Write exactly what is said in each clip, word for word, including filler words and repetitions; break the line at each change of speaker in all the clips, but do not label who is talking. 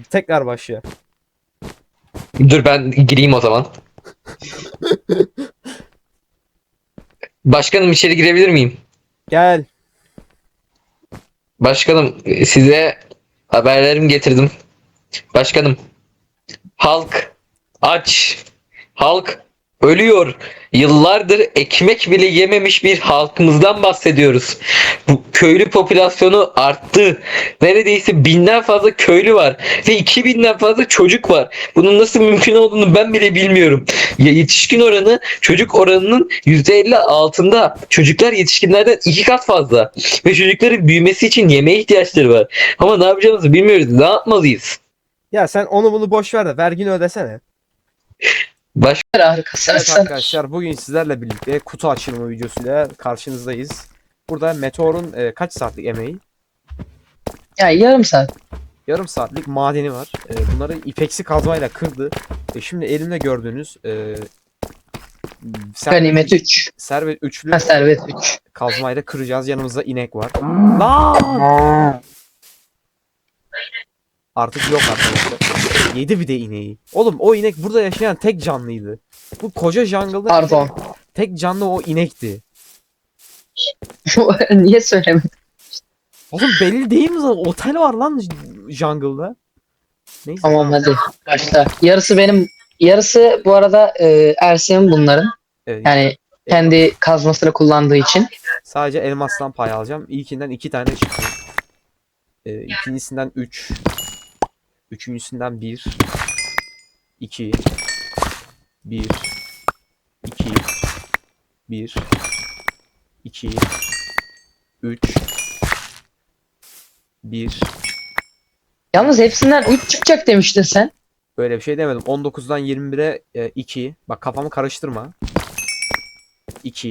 Tekrar başlıyor.
Dur ben gireyim o zaman. Başkanım içeri girebilir miyim?
Gel.
Başkanım size haberlerimi getirdim. Başkanım halk aç. Halk ölüyor. Yıllardır ekmek bile yememiş bir halkımızdan bahsediyoruz. Bu köylü popülasyonu arttı. Neredeyse binden fazla köylü var ve iki binden fazla çocuk var. Bunun nasıl mümkün olduğunu ben bile bilmiyorum. Ya yetişkin oranı çocuk oranının yüzde elli altında. Çocuklar yetişkinlerden iki kat fazla. Ve çocukların büyümesi için yemeğe ihtiyaçları var. Ama ne yapacağımızı bilmiyoruz. Ne yapmalıyız?
Ya sen onu bunu boş ver de vergini ödesene.
Baş
Harikasın.
Evet arkadaşlar, bugün sizlerle birlikte kutu açılımı videosuyla karşınızdayız. Burada Meteor'un e, kaç saatlik emeği?
Ya yarım saat.
Yarım saatlik madeni var. E, bunları ipeksi kazmayla kırdı. E, şimdi elimde gördüğünüz e,
Ganimet üç.
servet üçlü
Ha, servet üç.
kazmayla kıracağız. Yanımızda inek var. Lan! Artık yok arkadaşlar. Yedi bir de ineği. Oğlum o inek burada yaşayan tek canlıydı. Bu koca jungle'da
Pardon.
tek canlı o inekti.
Niye söylemedin?
Oğlum belli değil mi zaten? Otel var lan jungle'da. Neyse.
Tamam hadi başla. Yarısı benim. Yarısı bu arada e, Ersin'in bunların.
Evet,
Yani kendi kazmasını kullandığı için.
sadece elmastan pay alacağım. İlkinden iki tane çıktı. Ee, ikincisinden üç. Üçüncüsünden bir. iki. bir. iki. bir. iki. üç. bir.
Yalnız hepsinden üç çıkacak demiştin sen.
Böyle bir şey demedim. on dokuzdan yirmi bire e, iki. Bak kafamı karıştırma. iki.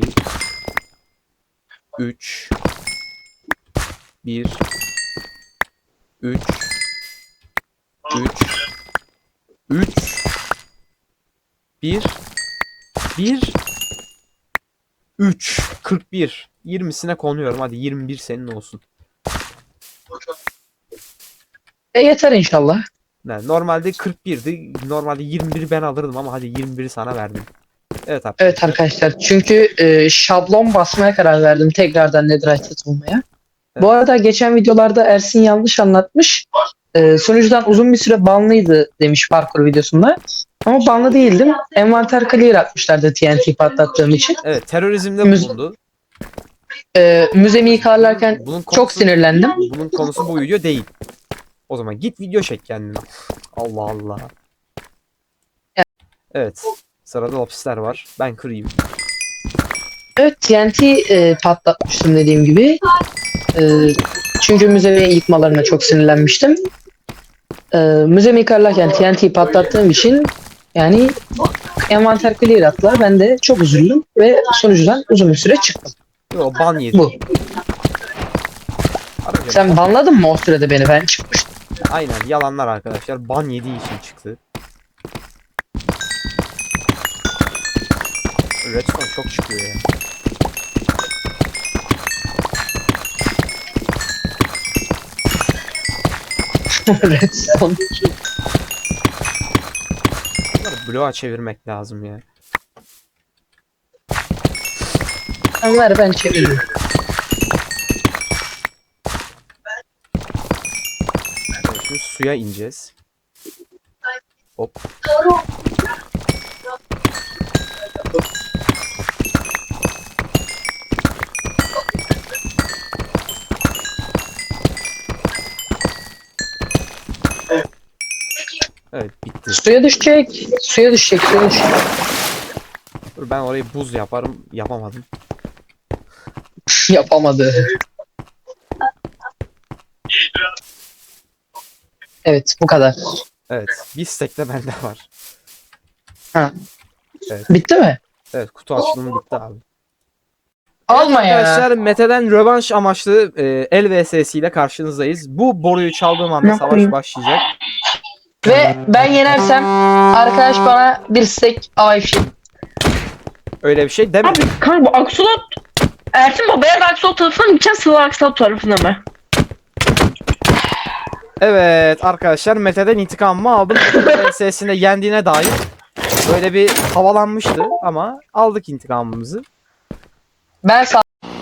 üç. bir. üç. üç. üç. bir. bir. üç. kırk bir. yirmisine konuyorum. Hadi yirmi bir senin olsun.
E yeter inşallah.
Yani normalde kırk birdi. Normalde yirmi bir ben alırdım ama hadi yirmi biri sana verdim. Evet arkadaşlar.
Evet arkadaşlar. Çünkü e, şablon basmaya karar verdim. Tekrardan Netherite bulmaya.
Evet.
Bu arada geçen videolarda Ersin yanlış anlatmış. E, sunucudan uzun bir süre banlıydı demiş parkur videosunda. Ama banlı değildim. Envanter clear atmışlardı T N T patlattığım için.
Evet, terörizmde
Müz-
bulundu.
E, müzemi yıkarlarken
Bunun konusu,
çok sinirlendim.
Bunun konusu bu video değil. O zaman git video çek kendine. Allah Allah. Evet. Sırada lapisler var. Ben kırayım.
Evet T N T e, patlatmıştım dediğim gibi. E, çünkü müzeyi yıkmalarına çok sinirlenmiştim. E, müzemi yıkarlarken T N T patlattığım için yani envanter clear attılar. Ben de çok üzüldüm ve sunucudan uzun bir süre çıktım.
Yo, ban yedi.
Bu.
Arayacağım.
Sen banladın mı o sürede beni? Ben çıkmıştım.
Aynen, yalanlar arkadaşlar. Ban yediği için çıktı. Redstone çok çıkıyor ya.
Redstone.
Bunları bloğa çevirmek lazım ya.
Onlar ben çeviriyorum.
Evet, şimdi suya ineceğiz. Hop. Evet, bitti.
Suya düşecek. Suya düşecek. Suya düşecek.
Dur, ben orayı buz yaparım. Yapamadım.
Yapamadı. Evet bu kadar.
Evet. Bir stack de bende var.
Ha.
Evet.
Bitti mi?
Evet, kutu açılımı bitti abi.
Alma ya.
Arkadaşlar, Mete'den rövanş amaçlı e, el vs ile karşınızdayız. Bu boruyu çaldığım anda
Ne
savaş
yapayım?
başlayacak.
Ve ben yenersem arkadaş bana bir stack Wi-Fi.
Öyle bir şey deme.
Abi kanka bu Aksolot Ersin babaya da Aksolot tarafına mı gideceğiz, Sıla Aksolot tarafına mı?
Evet arkadaşlar Mete'den intikamımı aldım. V S'sinde yendiğine dair böyle bir havalanmıştı ama aldık intikamımızı.
Ben sağ...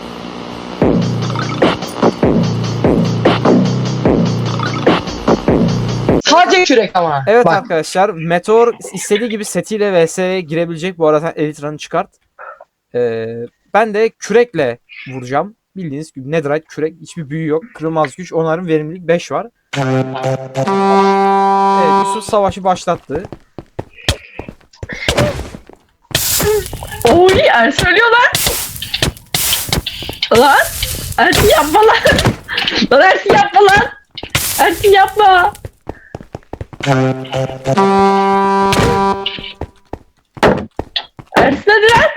Sadece kürek ama.
Evet
Bak,
arkadaşlar Meteor istediği gibi setiyle V S'ye girebilecek. Bu arada Elite Run'ı çıkart. Ee, ben de kürekle vuracağım. Bildiğiniz gibi Netherite kürek, hiçbir büyü yok. Kırılmaz güç, onların verimlilik beş var. Evet, Yusuf savaşı başlattı.
Oy Ersin ölüyor lan. Lan. Ersin yapma lan. Lan Ersin yapma lan. Ersin yapma. Ersin hadi lan.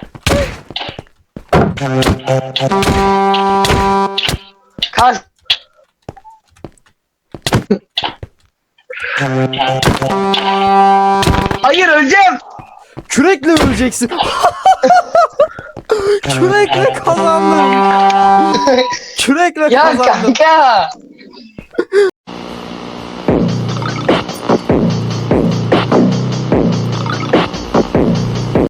kaç. Hayır öleceğim.
Kürekle öleceksin. Kürekle kazandım. Kürekle
Ya
kazandım.
kanka.